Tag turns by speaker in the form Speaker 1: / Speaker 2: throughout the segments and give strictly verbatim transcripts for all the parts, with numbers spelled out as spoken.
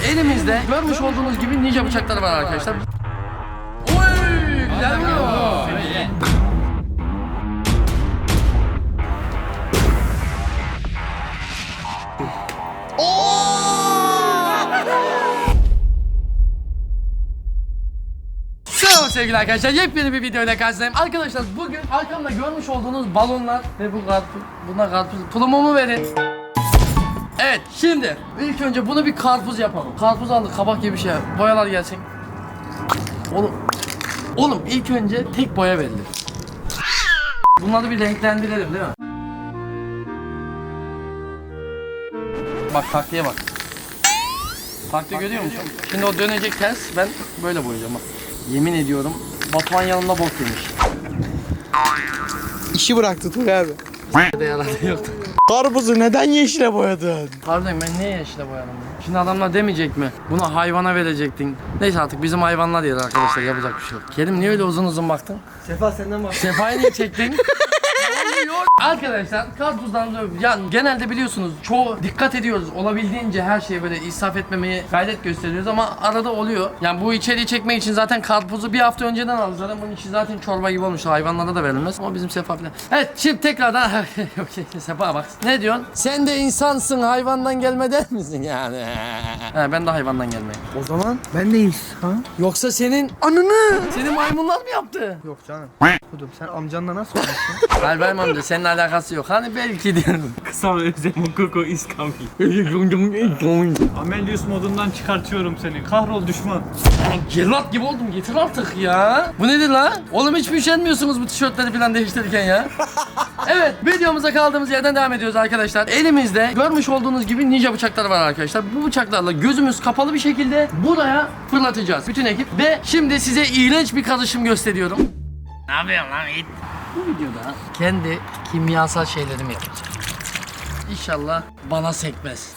Speaker 1: elimizde görmüş olduğunuz gibi ninja bıçakları var arkadaşlar. Oy, güzel vuruyor. Selam sevgili arkadaşlar, yepyeni bir videoyla karşınızdayım. Arkadaşlar bugün arkamda görmüş olduğunuz balonlar ve bu karpuz, buna karpuz, tulumumu verin. Evet, şimdi ilk önce bunu bir karpuz yapalım. Karpuz aldık, kabak gibi bir şey. Boyalar gelsin. Oğlum, oğlum ilk önce tek boya verilir. Bunları bir renklendirelim değil mi? Bak taktiğe bak. Taktiği görüyor musun? Şimdi o dönecek ters, ben böyle boyayacağım bak. Yemin ediyorum Batuhan yanımda bok yemiş.
Speaker 2: İşi bıraktı Tugay abi.
Speaker 1: De yaradı yoktu.
Speaker 2: Karpuzu neden yeşile boyadın?
Speaker 1: Harbiden ben niye yeşile boyadım ya? Şimdi adamlar demeyecek mi? Bunu hayvana verecektin. Neyse artık bizim hayvanlar yer arkadaşlar, yapacak bir şey yok. Kerim niye öyle uzun uzun baktın?
Speaker 2: Sefa senden bak.
Speaker 1: Sefa'yı niye çektin? Arkadaşlar karpuzdan yani genelde biliyorsunuz çoğu dikkat ediyoruz, olabildiğince her şeye böyle israf etmemeye gayret gösteriyoruz ama arada oluyor. Yani bu içeriği çekmek için zaten karpuzu bir hafta önceden aldık zaten, bunun içi zaten çorba gibi olmuş, hayvanlara da verilmez ama bizim Sefa falan. Evet şimdi tekrardan Sefa bak ne diyorsun? Sen de insansın, hayvandan gelme der misin yani? He, ben de hayvandan gelmeyim.
Speaker 2: O zaman ben de insan.
Speaker 1: Yoksa senin
Speaker 2: Ananı.
Speaker 1: senin maymunlar mı yaptı?
Speaker 2: Yok canım. Kudum sen amcanla nasıl olmuşsun?
Speaker 1: Hayır benim amca seninle alakası yok. Hani belki diyorum.
Speaker 3: Kısa özlem Mokoko is coming. Amelius modundan çıkartıyorum seni. Kahrol düşman.
Speaker 1: Geralt gibi oldum, getir artık ya. Bu nedir la? Oğlum hiç mi üşenmiyorsunuz bu tişörtleri falan değiştirirken ya? Evet, videomuza kaldığımız yerden devam ediyoruz arkadaşlar. Elimizde görmüş olduğunuz gibi ninja bıçakları var arkadaşlar. Bu bıçaklarla gözümüz kapalı bir şekilde buraya fırlatacağız bütün ekip. Ve şimdi size iğrenç bir karışım gösteriyorum. Ne yapıyorsun lan it? Bu videoda kendi kimyasal şeylerimi yapacağım. İnşallah bana sekmez.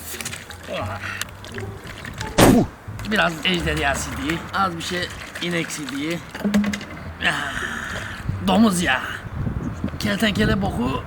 Speaker 1: Biraz ejderha sidiği, az bir şey inek sidiği, domuz yağı, kertenkele boku.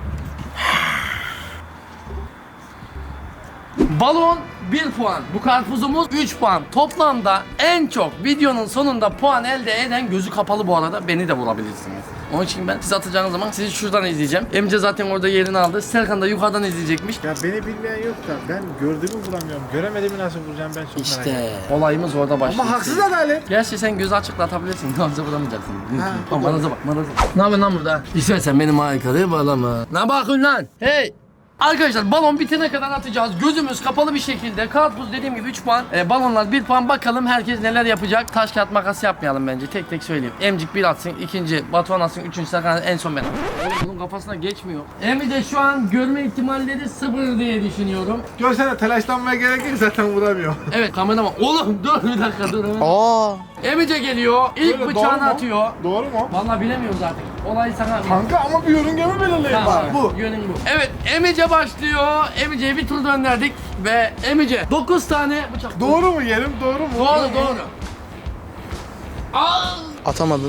Speaker 1: Balon bir puan, bu karpuzumuz üç puan. Toplamda en çok videonun sonunda puan elde eden, gözü kapalı bu arada, beni de vurabilirsiniz. Onun için ben siz atacağınız zaman sizi şuradan izleyeceğim. Emce zaten orada yerini aldı. Serkan da yukarıdan izleyecekmiş.
Speaker 4: Ya beni bilmeyen yok da ben gördüğümü vuramıyorum. Göremediğimi nasıl vuracağım ben çok merak
Speaker 1: İşte
Speaker 4: ediyorum.
Speaker 1: olayımız orada başlıyor.
Speaker 4: Ama haksız adalet.
Speaker 1: Gerçi sen gözü açıkla atabilirsin. Ne olacak vuramayacaksın.
Speaker 4: Ha,
Speaker 1: Ama manaza bak, manaza bak. Ne yapıyorsun lan burada? İstersen benim harikalığı bağlama. Ne bakıyorsun lan? Hey! Arkadaşlar balon bitene kadar atacağız. Gözümüz kapalı bir şekilde. Karpuz dediğim gibi üç puan. E, balonlar bir puan. Bakalım herkes neler yapacak. Taş kağıt makas yapmayalım bence. Tek tek söyleyeyim. Emcik bir atsın. İkinci Batuhan atsın. Üçüncü Serkan, en son ben. Oğlum bunun kafasına geçmiyor. Emre de şu an görme ihtimalleri sıfır diye düşünüyorum.
Speaker 4: Görsene telaşlanmaya gerek yok, zaten vuramıyor.
Speaker 1: Evet kameraman. Oğlum dur bir dakika dur. Hemen.
Speaker 2: Aa.
Speaker 1: Emice geliyor. İlk
Speaker 4: Böyle, doğru
Speaker 1: bıçağını
Speaker 4: mu?
Speaker 1: atıyor.
Speaker 4: Doğru mu?
Speaker 1: Vallahi bilemiyoruz artık. Olay sana.
Speaker 4: Kanka ama bir yörüngemi belirleyin
Speaker 1: Tamam,
Speaker 4: bari. Bu.
Speaker 1: Yönüm bu. Evet, Emice başlıyor. Emice'ye bir tur döndürdük ve Emice dokuz tane bıçak.
Speaker 4: Doğru mu yerim? Doğru mu?
Speaker 1: Doğru, doğru. Al.
Speaker 2: Atamadın.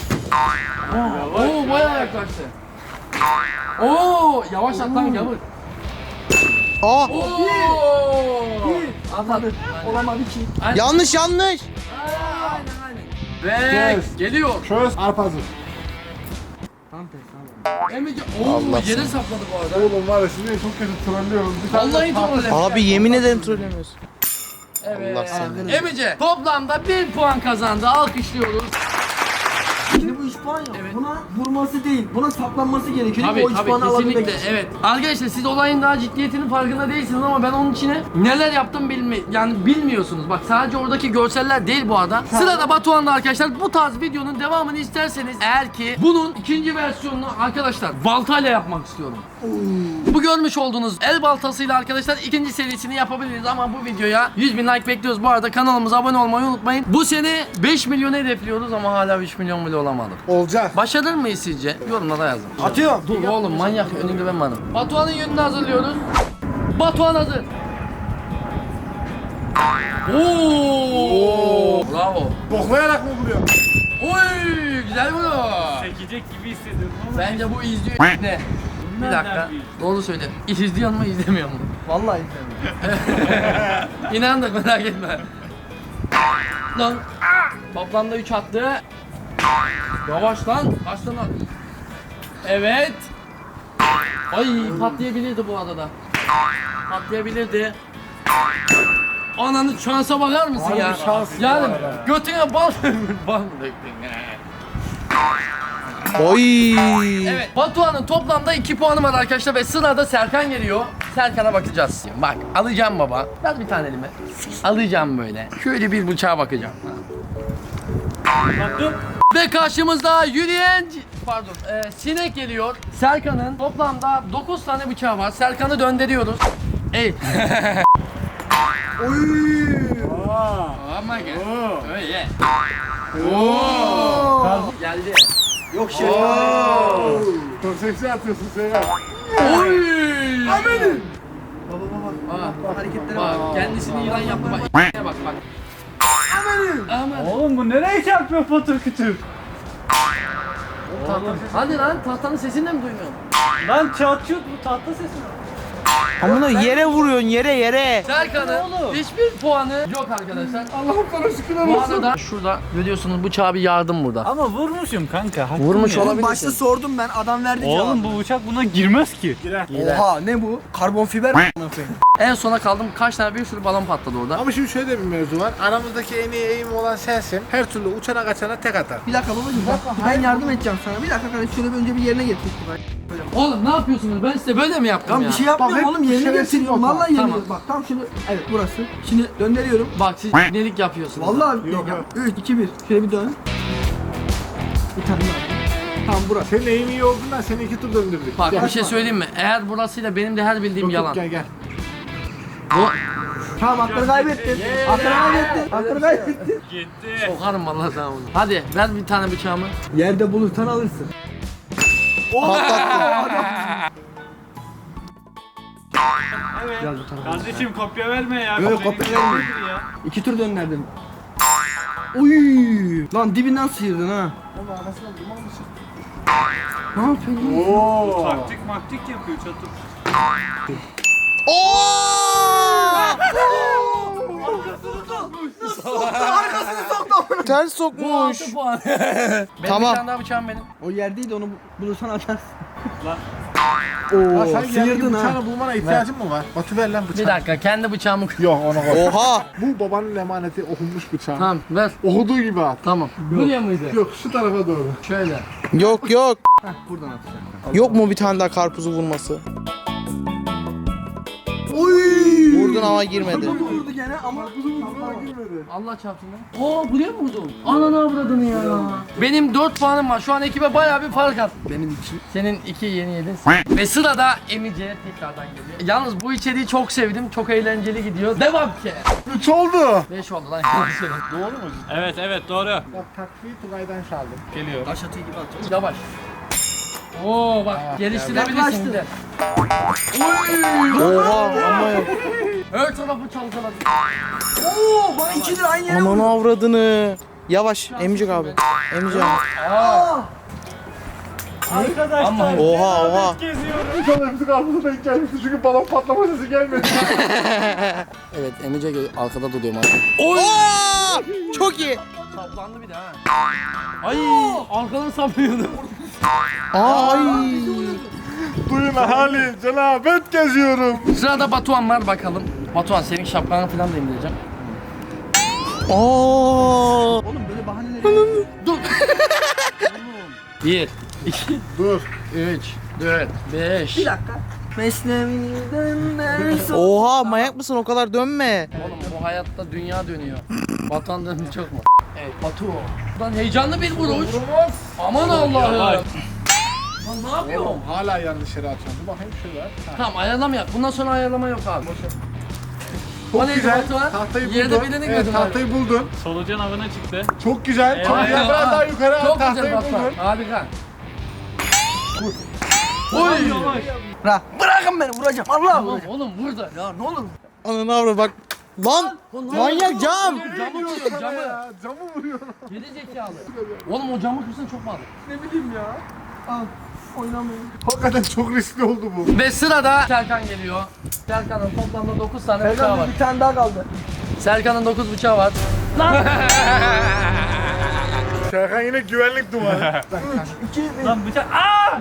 Speaker 1: Oo, bayağı yaklaştı. Oo, yavaş at lan gavur.
Speaker 2: Aa.
Speaker 1: Oo. Atladı.
Speaker 2: Olamadı ki.
Speaker 1: Aynen.
Speaker 2: Yanlış yanlış.
Speaker 1: Aynen aynen. Ve
Speaker 4: Yes.
Speaker 1: geliyor.
Speaker 4: Çöz. Arpa hazır.
Speaker 1: Emice. Oo,
Speaker 2: Allah
Speaker 1: yere
Speaker 2: seni.
Speaker 1: sapladı bu arada.
Speaker 4: Oğlum var ya sizi çok kötü trollüyorum. Bir tane
Speaker 1: Vallahi
Speaker 4: de-
Speaker 1: trolllemiş.
Speaker 2: Abi yemin ederim trollemiyorsun.
Speaker 1: Evet.
Speaker 2: Allah seni.
Speaker 1: Emice toplamda bir puan kazandı. Alkışlıyoruz.
Speaker 5: Şimdi bu üç puan ya.
Speaker 1: Evet.
Speaker 5: Buna vurması değil, buna saplanması gerekiyor.
Speaker 1: Tabii
Speaker 5: o üç
Speaker 1: tabii
Speaker 5: puanı alabilmek
Speaker 1: kesinlikle
Speaker 5: için.
Speaker 1: evet. Arkadaşlar siz olayın daha ciddiyetinin farkında değilsiniz ama ben onun içine neler yaptım bilmi yani bilmiyorsunuz. Bak sadece oradaki görseller değil bu arada. Sırada Batuhan'da arkadaşlar, bu tarz videonun devamını isterseniz eğer ki bunun ikinci versiyonunu arkadaşlar baltayla yapmak istiyorum. Bu görmüş olduğunuz el baltasıyla arkadaşlar ikinci serisini yapabiliriz ama bu videoya yüz bin like bekliyoruz. Bu arada kanalımıza abone olmayı unutmayın. Bu sene beş milyonu hedefliyoruz ama hala üç milyon bile olamadık.
Speaker 4: Olacak.
Speaker 1: Başarır mıyız sizce? Yorumlara yazın.
Speaker 4: Atıyorum.
Speaker 1: Dur oğlum manyak, önünde ben varım. Batuhan'ın yönünü hazırlıyoruz. Batuhan hazır. Oo! Bravo.
Speaker 4: Boklayarak mı vuruyor?
Speaker 1: Oy! Güzel vuruyor.
Speaker 3: Çekecek gibi hissediyorum ama.
Speaker 1: Bence bu izliyor ne? Bir dakika. Doğru söyle. İzliyor mu izlemiyor mu?
Speaker 5: Vallahi izlemiyorum.
Speaker 1: İnandık, merak etme. Lan. Toplamda üç attı. Yavaş lan. Kaç lan? Evet. Ay patlayabilirdi bu arada. Patlayabilirdi. Ananı şansa bakar mısın ya? Yani götüne bal bal döktün ya.
Speaker 2: Oy.
Speaker 1: Evet, Batuhan'ın toplamda iki puanı var arkadaşlar ve sırada Serkan geliyor. Serkan'a bakacağız. Bak, alacağım baba. Ver bir tane elime. Alacağım böyle. Şöyle bir bıçağa bakacağım. Ve karşımızda yürüyen, pardon, e, sinek geliyor. Serkan'ın toplamda dokuz tane bıçağı var. Serkan'ı döndürüyoruz. Ey. Ama gel. Öyle. Oo. Geldi.
Speaker 5: Yok şey.
Speaker 4: Çok seksi atıyorsun Seyran.
Speaker 1: Oy! Amenim.
Speaker 5: Baba baba.
Speaker 1: Bak,
Speaker 5: Hareketlere bak.
Speaker 1: bak, kendisini yılan yaptı bak. bak bak. Amenim. Aman.
Speaker 3: Oğlum bu nereye çarpıyor patır kütür?
Speaker 1: Hadi lan tahtanın sesini de mi duymuyorsun?
Speaker 3: Lan çatıyor bu tahta sesi mi?
Speaker 2: Amına yere vuruyorsun yere yere.
Speaker 1: Serkan'ın
Speaker 3: oğlum?
Speaker 1: hiçbir puanı yok arkadaşlar.
Speaker 4: Allah'ım sana şükürler
Speaker 1: Bu
Speaker 4: olsun.
Speaker 1: arada şurada görüyorsunuz bıçağa bir yardım burada.
Speaker 3: Ama vurmuşum kanka. hakkım
Speaker 1: Vurmuş
Speaker 3: ya.
Speaker 1: olabilir.
Speaker 5: Oğlum başta sordum ben adam verdi
Speaker 3: Oğlum
Speaker 5: cevabı.
Speaker 3: bu bıçak buna girmez ki.
Speaker 5: Oha ne bu? Karbon fiber mi?
Speaker 1: En sona kaldım kaç tane bir sürü balon patladı orada.
Speaker 4: Ama şimdi şöyle de bir mevzu var. Aramızdaki en iyi eğim olan sensin. Her türlü uçana kaçana tek atar.
Speaker 5: Bir dakika babacığım bak ben yardım edeceğim sana. Bir dakika kardeşim şöyle bir önce bir yerine getir.
Speaker 1: Oğlum ne yapıyorsunuz? Ben size böyle mi yaptım
Speaker 5: Tamam
Speaker 1: ya?
Speaker 5: bir şey yapmıyorum
Speaker 4: Bak,
Speaker 5: oğlum
Speaker 4: hep
Speaker 5: yerine
Speaker 4: şerefsiz
Speaker 5: getiriyorum.
Speaker 4: yok.
Speaker 5: Vallahi yerine
Speaker 1: Tamam.
Speaker 5: Bak tam şimdi evet burası. Şimdi döndürüyorum.
Speaker 1: Bak siz nelik yapıyorsunuz.
Speaker 5: Vallahi
Speaker 4: Yok, yok.
Speaker 5: üç iki bir. Şöyle bir dön. Bir tane daha. Tamam burası.
Speaker 4: Senin eğim iyi olduğundan seni iki tur döndürdük.
Speaker 1: Bak
Speaker 4: Gel.
Speaker 1: bir şey söyleyeyim mi? Eğer burasıyla benim de her bildiğim
Speaker 4: Yok, yok,
Speaker 1: yalan.
Speaker 4: Gel gel.
Speaker 1: Bu
Speaker 5: Tamam hakları kaybettin. Hakları kaybettin. Hakları kaybettin.
Speaker 3: Gitti.
Speaker 1: sokarım vallahi sana bunu. Hadi ver bir tane bıçağımı.
Speaker 5: Yerde bulursan alırsın.
Speaker 3: Evet.
Speaker 5: Gel bu tarafa.
Speaker 3: Kardeşim kopya verme ya.
Speaker 5: Yok,
Speaker 3: Kopya
Speaker 5: kopya
Speaker 3: verme
Speaker 5: vermiyorum.
Speaker 3: ya.
Speaker 5: İki tur döndürdüm. Uy! Lan dibinden sıyırdın ha.
Speaker 4: Oğlum anasına duman mı çıktı?
Speaker 5: Ne yapıyorsun?
Speaker 4: Oo.
Speaker 3: Taktik maktik yapıyor çatır.
Speaker 2: Ters
Speaker 1: Bu
Speaker 2: sokmuş.
Speaker 1: altı puan. benim
Speaker 2: Tamam.
Speaker 1: bir tane daha bıçağım benim.
Speaker 5: O yerdeydi onu bulursan atarsın.
Speaker 3: Lan.
Speaker 4: Ya
Speaker 5: Oo,
Speaker 4: sen geldiğin
Speaker 5: sıyırdın ha.
Speaker 4: bıçağını bulmana ihtiyacın mı var? Batı ver lan bıçağı.
Speaker 1: Bir dakika kendi bıçağımı...
Speaker 4: Yok onu koy.
Speaker 2: Oha.
Speaker 4: Bu babanın emaneti okunmuş bıçağı.
Speaker 1: Tamam ver.
Speaker 4: Okuduğu gibi at.
Speaker 1: Tamam. Buraya mıydı?
Speaker 4: Yok şu tarafa doğru.
Speaker 1: Şöyle.
Speaker 2: Yok yok.
Speaker 5: Heh, buradan atacağım.
Speaker 2: Yok mu bir tane daha karpuzu vurması?
Speaker 5: Uy!
Speaker 2: Vurdun ama girmedi.
Speaker 5: Vurdu gene ama
Speaker 1: Allah çarpsın lan. Oo buraya mı vurdun? Ananı avradını ya. Benim dört puanım var. Şu an ekibe bayağı bir fark attı.
Speaker 5: benim için.
Speaker 1: Senin iki yeni yedin. Ve sırada Emice tekrardan geliyor. Yalnız bu içeriği çok sevdim. Çok eğlenceli gidiyor. Devam ki.
Speaker 4: Üç oldu.
Speaker 1: beş oldu lan.
Speaker 4: Doğru mu?
Speaker 3: Evet evet doğru.
Speaker 4: Bak takviyi Tugay'dan çaldım. Geliyor.
Speaker 5: Taş atıyor gibi atıyor.
Speaker 1: Yavaş. Oo bak geliştirebilirsin
Speaker 5: Yaklaştı.
Speaker 1: bir de.
Speaker 2: Oha ama yok.
Speaker 1: Her tarafı çalkaladı.
Speaker 5: Oo bak ikidir aynı yere
Speaker 2: Aman
Speaker 5: vurdu.
Speaker 2: avradını. Yavaş Emcik abi. Emcik abi.
Speaker 5: Aa!
Speaker 3: Arkadaşlar.
Speaker 1: Ama-
Speaker 2: Oha oha.
Speaker 3: Geziyorum.
Speaker 4: İnşallah hepsi karpuzu denk gelmişti çünkü balon patlama sesi gelmedi.
Speaker 1: Evet Emice arkada duruyor artık.
Speaker 2: Aa! Çok iyi.
Speaker 1: Saplandı bir de ha. Ay arkadan saplıyordu.
Speaker 2: Ay.
Speaker 4: Duyun ahali cenabet geziyorum.
Speaker 1: Sırada Batuhan var bakalım. Batuhan senin şapkanı falan da indireceğim.
Speaker 2: Aa.
Speaker 5: Oğlum böyle bahaneler.
Speaker 1: Dur. Bir, iki,
Speaker 4: Dur.
Speaker 1: üç, dört, beş.
Speaker 5: Bir dakika. Mesnevi'den ders
Speaker 2: Oha manyak mısın o kadar dönme.
Speaker 1: Oğlum bu hayatta dünya dönüyor. Batuhan döndü çok mu? Evet Batu. Buradan heyecanlı bir vuruş. Aman Allah'ım.
Speaker 3: Yavaş.
Speaker 1: Lan ne yapıyorsun?
Speaker 4: Oğlum hala yanlış yere atıyorum. Dur bakayım şöyle. Ha.
Speaker 1: Tamam ayarlama yap. Bundan sonra ayarlama yok abi.
Speaker 4: Çok
Speaker 1: O neydi
Speaker 4: güzel.
Speaker 1: Batuhan?
Speaker 4: Tahtayı
Speaker 1: Yerde
Speaker 4: buldun.
Speaker 1: birini
Speaker 4: Evet
Speaker 1: gördüm
Speaker 4: tahtayı buldun.
Speaker 3: Solucan avına çıktı.
Speaker 4: Çok güzel.
Speaker 3: Evet.
Speaker 4: Tahtayı
Speaker 1: Aa,
Speaker 4: biraz
Speaker 1: aa.
Speaker 4: daha yukarı at.
Speaker 1: Çok
Speaker 4: Tahtayı
Speaker 1: güzel Batuhan.
Speaker 4: buldun.
Speaker 1: Harika.
Speaker 3: Oy. Yavaş.
Speaker 5: Bırak. Bırakın beni vuracağım. Allah
Speaker 1: Tamam
Speaker 5: vuracağım.
Speaker 1: oğlum burada.
Speaker 5: Ya ne olur.
Speaker 2: Ananı avra bak. Lan manyak cam.
Speaker 1: Camı vuruyor camı.
Speaker 4: Ya, camı vuruyor.
Speaker 1: Geri zekalı. Oğlum o camı kırsan çok pahalı.
Speaker 5: Ne bileyim ya. Al. Oynamayın.
Speaker 4: Hakikaten çok riskli oldu bu.
Speaker 1: Ve sırada Serkan geliyor. Serkan'ın toplamda dokuz tane bıçağı var.
Speaker 5: Serkan bir tane daha kaldı.
Speaker 1: Serkan'ın dokuz bıçağı var.
Speaker 4: Serkan yine güvenlik duvarı.
Speaker 3: Lan bıçak. Aa!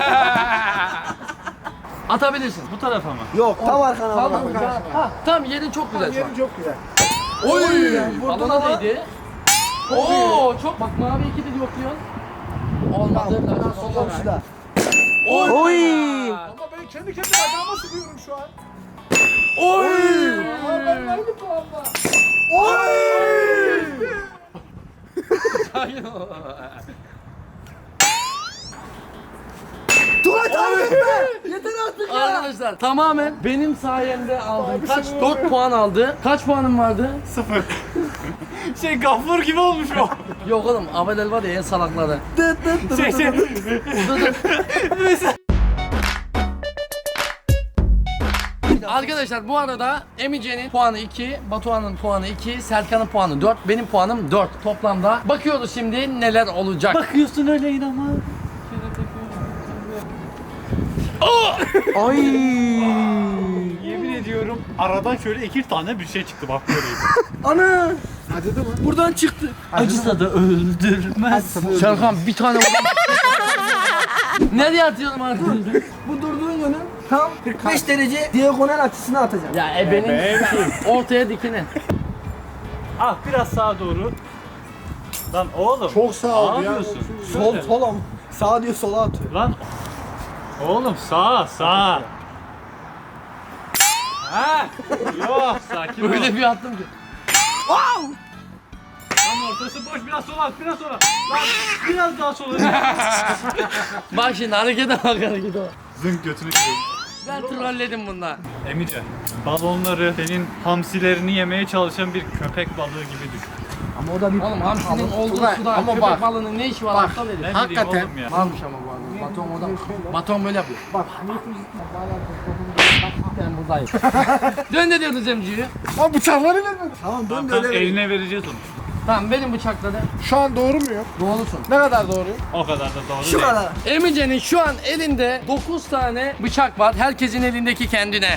Speaker 1: Atabilirsin.
Speaker 3: Bu tarafa mı?
Speaker 5: Yok tam arkana bak.
Speaker 1: Kaldır bıçağı. Ha, tamam yerin çok güzel şu an.
Speaker 4: Yerim çok güzel.
Speaker 1: Oy!
Speaker 5: vurdun
Speaker 1: Alana
Speaker 5: ama.
Speaker 1: değdi. Oo çok bak mavi iki de yokluyorsun. Olmadı.
Speaker 5: Komşuda.
Speaker 1: Oy!
Speaker 2: Oy.
Speaker 4: Ama ben kendi kendime ayağıma sıkıyorum şu an.
Speaker 1: Oy!
Speaker 4: Ama ben aynı puanla. Oy!
Speaker 1: Sakin ol.
Speaker 5: Dur abi yeter artık ya.
Speaker 1: Arkadaşlar tamamen benim sayemde aldım. Kaç? dört puan aldı. Kaç puanım vardı?
Speaker 3: Sıfır. Şey Gaffur gibi olmuş o.
Speaker 1: Yok oğlum Abedel var ya en salakları.
Speaker 3: şey şey.
Speaker 1: Arkadaşlar bu arada Emice'nin puanı iki, Batuhan'ın puanı iki, Serkan'ın puanı dört, benim puanım dört. Toplamda bakıyoruz şimdi neler olacak.
Speaker 3: Bakıyorsun öyle inanma.
Speaker 2: Ay.
Speaker 3: Yemin ediyorum aradan şöyle iki tane bir şey çıktı bak böyleydi.
Speaker 5: Ana.
Speaker 4: Acıdı mı?
Speaker 5: Buradan çıktı.
Speaker 3: Acısa da öldürmez.
Speaker 1: Serkan bir tane vurdum. Nereye atıyorum arkadaşlar?
Speaker 5: Bu durduğun yönün tam kırk beş derece diagonal açısına atacağım.
Speaker 1: Ya ebenin ortaya dikine.
Speaker 3: Ah biraz sağa doğru. Lan oğlum.
Speaker 4: Çok sağ ol
Speaker 3: Ne
Speaker 4: ya.
Speaker 3: yapıyorsun?
Speaker 5: Sol sola mı? Sağa diyor sola atıyor.
Speaker 3: Lan. Oğlum sağa sağa. Ha? Yok sakin ol.
Speaker 1: Öyle bir attım ki.
Speaker 3: Lan ortası boş biraz sola at biraz sola. Lan biraz daha sola.
Speaker 1: Bak şimdi harekete bak harekete bak.
Speaker 3: Zınk götünü kırıyorum.
Speaker 1: Ben trolledim bunlar.
Speaker 3: Emice, balonları senin hamsilerini yemeye çalışan bir köpek balığı gibi düşün.
Speaker 5: Ama o da bir
Speaker 1: Oğlum hamsinin olduğu
Speaker 4: Ulan,
Speaker 1: suda
Speaker 4: ama
Speaker 1: köpek
Speaker 4: bak.
Speaker 1: balığının ne işi var
Speaker 4: Bak.
Speaker 1: aptal herif.
Speaker 3: Ne
Speaker 4: Hakikaten.
Speaker 3: bileyim oğlum ya.
Speaker 1: Varmış ama bu arada. Baton orada. Baton böyle yapıyor.
Speaker 5: bak.
Speaker 1: Ben buradayım. Dön ne diyordun Cemci'yi?
Speaker 4: Ama bıçakları vermedin.
Speaker 5: Tamam
Speaker 3: Tamam,
Speaker 5: dön de
Speaker 3: tamam,
Speaker 5: öyle. ver.
Speaker 3: eline vereceğiz onu.
Speaker 1: Tamam benim bıçakladı.
Speaker 4: Şu an doğru muyum?
Speaker 1: Doğrusun.
Speaker 4: Ne kadar doğruyum?
Speaker 3: O kadar da doğru
Speaker 5: Şu
Speaker 3: değil.
Speaker 5: kadar.
Speaker 1: Emice'nin şu an elinde dokuz tane bıçak var. Herkesin elindeki kendine.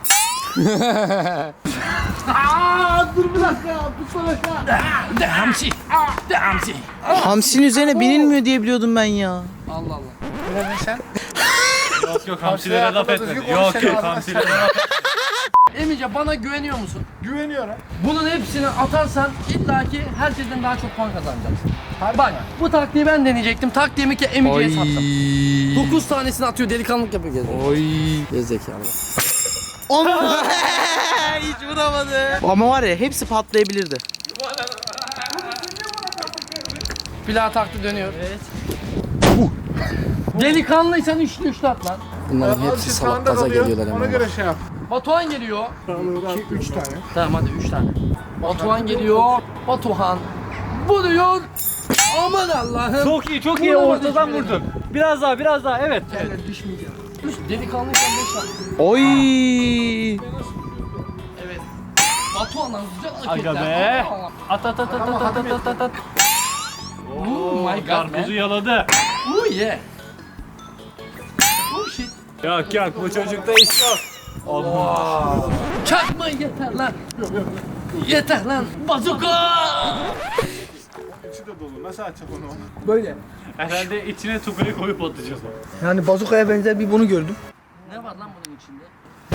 Speaker 5: Aa dur bir dakika ya. Tutsana aşağı.
Speaker 1: De hamsi. De hamsi.
Speaker 2: Hamsinin üzerine binilmiyor diye biliyordum ben ya.
Speaker 1: Allah Allah.
Speaker 4: Ne dedin sen?
Speaker 3: Yok yok hamsilere laf
Speaker 4: hakkında
Speaker 3: etmedi.
Speaker 4: düzgün
Speaker 3: Yok
Speaker 4: konuş,
Speaker 3: yok
Speaker 4: senin
Speaker 3: hamsilere laf etmedi.
Speaker 1: Emice bana güveniyor musun?
Speaker 4: Güveniyorum.
Speaker 1: Bunun hepsini atarsan illaki herkesten daha çok puan kazanacaksın.
Speaker 4: Harbi
Speaker 1: Bak
Speaker 4: mi?
Speaker 1: bu taktiği ben deneyecektim. Taktiğimi ki Emice'ye sattım. dokuz tanesini atıyor delikanlılık yapıyor gezmek.
Speaker 2: Oy.
Speaker 1: Gerizekalı.
Speaker 2: Onu hiç vuramadı. Ama var ya hepsi patlayabilirdi.
Speaker 1: Plağı taktı dönüyor. Evet. Delikanlıysan üçlü üçlü at lan. Bunların
Speaker 4: Abi
Speaker 1: hepsi
Speaker 4: siz
Speaker 1: salak
Speaker 4: sağında
Speaker 1: gaza
Speaker 4: kalıyor,
Speaker 1: geliyorlar
Speaker 4: Ona
Speaker 1: hemen.
Speaker 4: göre şey yap.
Speaker 1: Batuhan geliyor.
Speaker 4: İki, üç tane.
Speaker 1: Tamam hadi üç tane. Batuhan geliyor. Batuhan vuruyor. Aman Allah'ım.
Speaker 3: Çok iyi çok iyi
Speaker 1: Vuramadı
Speaker 3: ortadan
Speaker 1: hiçbirini.
Speaker 3: vurdun. Biraz daha biraz daha evet.
Speaker 5: Evet düşmeyeceğim.
Speaker 1: Üç delikanlıysan beş tane.
Speaker 2: Oy.
Speaker 1: Evet. Batuhan'dan güzel
Speaker 3: Aga
Speaker 1: hareketler.
Speaker 3: be.
Speaker 1: Allah Allah.
Speaker 3: At at at at at at at at at.
Speaker 1: Oh my god
Speaker 3: Karpuzu
Speaker 1: man.
Speaker 3: yaladı.
Speaker 1: Oh yeah. Oh shit.
Speaker 3: Yok yok bu çocukta iş yok. Olmaz.
Speaker 1: Çakma yeter lan. Yeter lan. Bazuka.
Speaker 4: İçi de dolu. Nasıl açacak onu?
Speaker 5: Böyle.
Speaker 3: Herhalde içine tugayı koyup atacağız onu.
Speaker 5: Yani bazukaya benzer bir bunu gördüm.
Speaker 1: Ne var lan bunun içinde?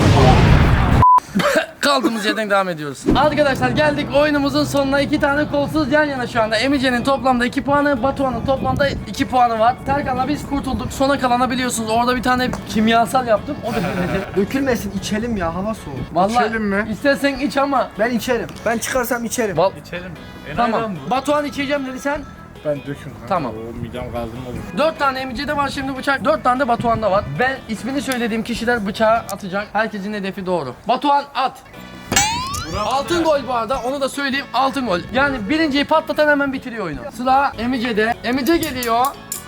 Speaker 1: Kaldığımız yerden devam ediyoruz. Arkadaşlar geldik oyunumuzun sonuna. İki tane kolsuz yan yana şu anda. Emice'nin toplamda iki puanı, Batuhan'ın toplamda iki puanı var. Serkan'la biz kurtulduk. Sona kalana biliyorsunuz. Orada bir tane kimyasal yaptım. O da bilmedi.
Speaker 5: Dökülmesin içelim ya hava soğuk.
Speaker 1: Vallahi
Speaker 4: İçelim mi?
Speaker 1: istersen iç ama.
Speaker 5: Ben içerim. Ben çıkarsam içerim.
Speaker 1: Val
Speaker 3: İçelim. Enayi
Speaker 1: tamam.
Speaker 3: lan bu.
Speaker 1: Batuhan içeceğim dedi sen.
Speaker 4: Ben döküm kanka.
Speaker 1: Tamam.
Speaker 4: O midem kaldırmadı.
Speaker 1: Dört tane Emice'de var şimdi bıçak. Dört tane de Batuhan'da var. Ben ismini söylediğim kişiler bıçağı atacak. Herkesin hedefi doğru. Batuhan at. Altın gol bu arada, onu da söyleyeyim, altın gol. Yani birinciyi patlatan hemen bitiriyor oyunu. Sıra Emice'de. Emice geliyor.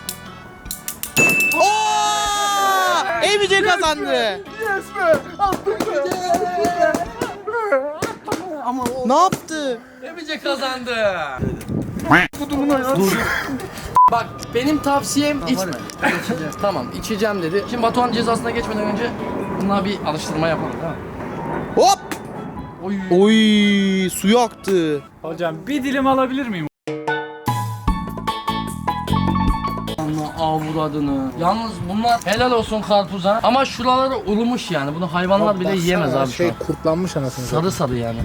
Speaker 2: Oo! Emice kazandı.
Speaker 4: Yes be! Attım be!
Speaker 5: Ama o
Speaker 2: Ne yaptı?
Speaker 1: Emice kazandı. Bak benim tavsiyem içme. Tamam içeceğim dedi. Şimdi Batuhan cezasına geçmeden önce buna bir alıştırma yapalım. Tamam.
Speaker 2: Hop!
Speaker 1: Oy.
Speaker 2: Oy suyu aktı.
Speaker 3: Hocam bir dilim alabilir miyim?
Speaker 1: Allah avradını. Yalnız bunlar helal olsun karpuza. Ama şuraları ulumuş yani. Bunu hayvanlar bile yiyemez abi şu
Speaker 4: Şey
Speaker 1: an.
Speaker 4: kurtlanmış anasını.
Speaker 1: Sarı sarı yani.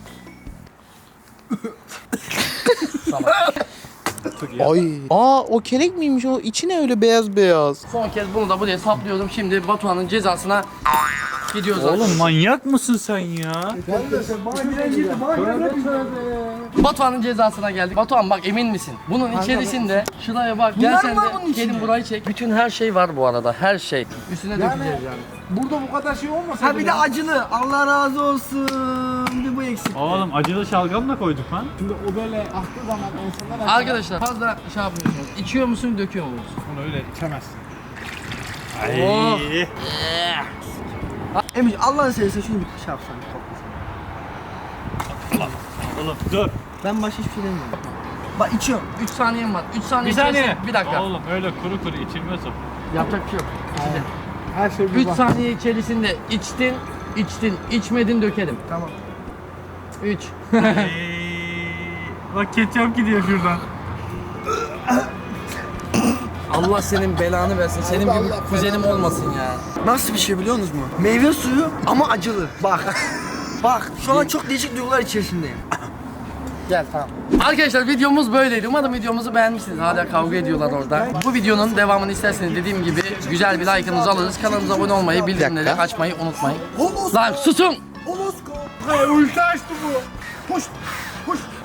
Speaker 2: Ay. Aa o kelek miymiş o? İçi ne öyle beyaz beyaz?
Speaker 1: Son kez bunu da buraya saplıyorum. Şimdi Batuhan'ın cezasına gidiyoruz.
Speaker 3: Oğlum manyak mısın sen ya?
Speaker 1: Batuhan'ın cezasına geldik. Batuhan bak emin misin? Bunun içerisinde şuraya bak. Gel sen de gelin burayı çek. Bütün her şey var bu arada. Her şey. Üstüne dökeceğiz yani.
Speaker 4: Burada bu kadar şey olmasa
Speaker 5: Ha bir de acılı. Allah razı olsun. Bir bu eksik.
Speaker 3: Oğlum acılı şalgam da koyduk lan.
Speaker 4: Şimdi o böyle aklı zaman insanlar
Speaker 1: Arkadaşlar fazla şey yapmıyorsunuz. İçiyor musun, döküyor musunuz?
Speaker 4: bunu öyle içemezsin.
Speaker 1: Oh.
Speaker 5: Emici Allah'ını seversen şunu bir şey yapsan.
Speaker 3: Oğlum dur.
Speaker 5: Ben başka hiçbir şey demiyorum. Bak içiyorum.
Speaker 1: üç saniyem var. üç saniye
Speaker 3: Bir saniye.
Speaker 1: içerisinde- Bir dakika.
Speaker 3: Oğlum öyle kuru kuru içilmez o.
Speaker 1: Yapacak bir şey yok.
Speaker 4: Her şey bir
Speaker 1: üç
Speaker 4: bak.
Speaker 1: saniye içerisinde içtin, içtin, içmedin dökelim.
Speaker 5: Tamam.
Speaker 1: üç.
Speaker 3: Bak ketçap gidiyor şuradan.
Speaker 1: Allah senin belanı versin. Senin gibi
Speaker 4: Allah
Speaker 1: kuzenim olmasın ya.
Speaker 5: Nasıl bir şey biliyor musunuz mu? Meyve suyu ama acılı. Bak. Bak şu an çok değişik duygular içerisindeyim.
Speaker 1: Gel tamam. Arkadaşlar videomuz böyleydi. Umarım videomuzu beğenmişsiniz. Hala kavga ediyorlar orada. Bu videonun devamını isterseniz dediğim gibi güzel bir like'ınızı alırız. Kanalımıza abone olmayı, bildirimleri açmayı unutmayın. Lan susun!
Speaker 5: Olosko.
Speaker 4: Ulti açtı bu. Puş. Puş.